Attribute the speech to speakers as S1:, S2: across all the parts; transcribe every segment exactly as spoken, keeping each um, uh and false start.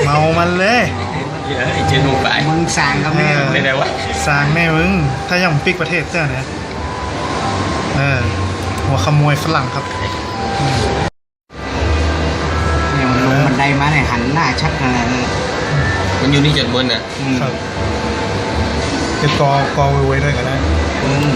S1: เมามันเลย
S2: เยอะไอ้เจนูไป
S3: มึงสั่งกับแม่
S1: เออ
S2: ไม่ได้วะ
S1: สร้างแม่มึง ถ้ายังปิกประเทศเจ้าเนี่ยเออหัวขโมยฝรั่งครับ
S3: เนี่ยมันลงบันไดมาเนี่ยหันหน้าชัดขนาดนั้น
S2: มันอยู่นี่จนบนอ่ะ
S3: อืม
S1: ครับเก็บกอกอไว้ด้วยกันนะ
S3: อืม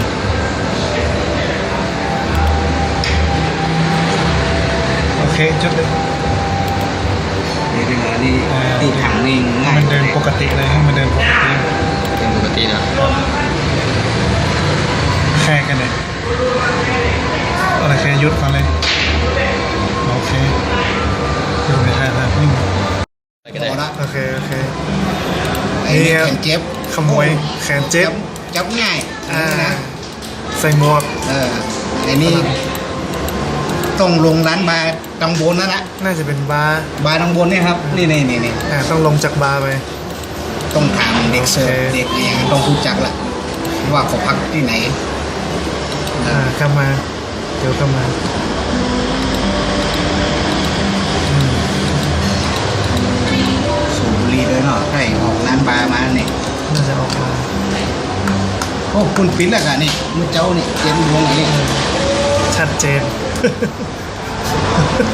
S1: โอเคจุดเลย
S3: เดี๋ยวเดี๋ยวนี่
S1: อ่า
S3: ตีถังนี่
S1: ให้
S3: ง่าย
S1: มันเดินปกติเลยให้มันเดินปกติ
S2: เป็นปกตินะ
S1: แค่กันเลยอะไรแค่ยุดก่อนเลยโอเคอยู่ในท่าท่านิ่ง
S2: ไปก็ได้
S3: พอละ
S1: โอเคโอเค
S3: ไอ้นี่แขนเจ็บ
S1: ขโมยแขนเจ็บ
S3: จับง่าย
S1: อ่า
S3: นะ
S1: ใส่หมวก
S3: เออไอ้นี่ต้องลงร้านบาร์ตังบนนั่นแหละ
S1: น่าจะเป็นบาร์
S3: บาร์ตังบนเนี่ยครับนี่นี่นี่นี่
S1: อ่าต้องลงจากบาร์ไป
S3: ต้องถามเด็กเสิร์ฟ
S1: โอเค
S3: เด็กอะไรอย่างเงี้ยต้องรู้จักละว่าเขาพักที่ไหน
S1: อ่ากลับมาเดี๋ยวกลับมาอืม
S3: สูบบุหรี่ด้วยเนาะใช่ออกร้านบาร์มาเนี่ย
S1: น่าจะออกมา
S3: โอ้คุณปิ้นแล้วกันนี่มือเจ้านี่เจนดวงอะไรนี่
S1: ชัดเจน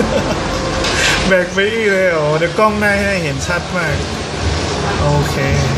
S1: แบกไปอีกเลยเหรอเดี๋ยวกล้องหน้าให้เห็นชัดมาก โอเค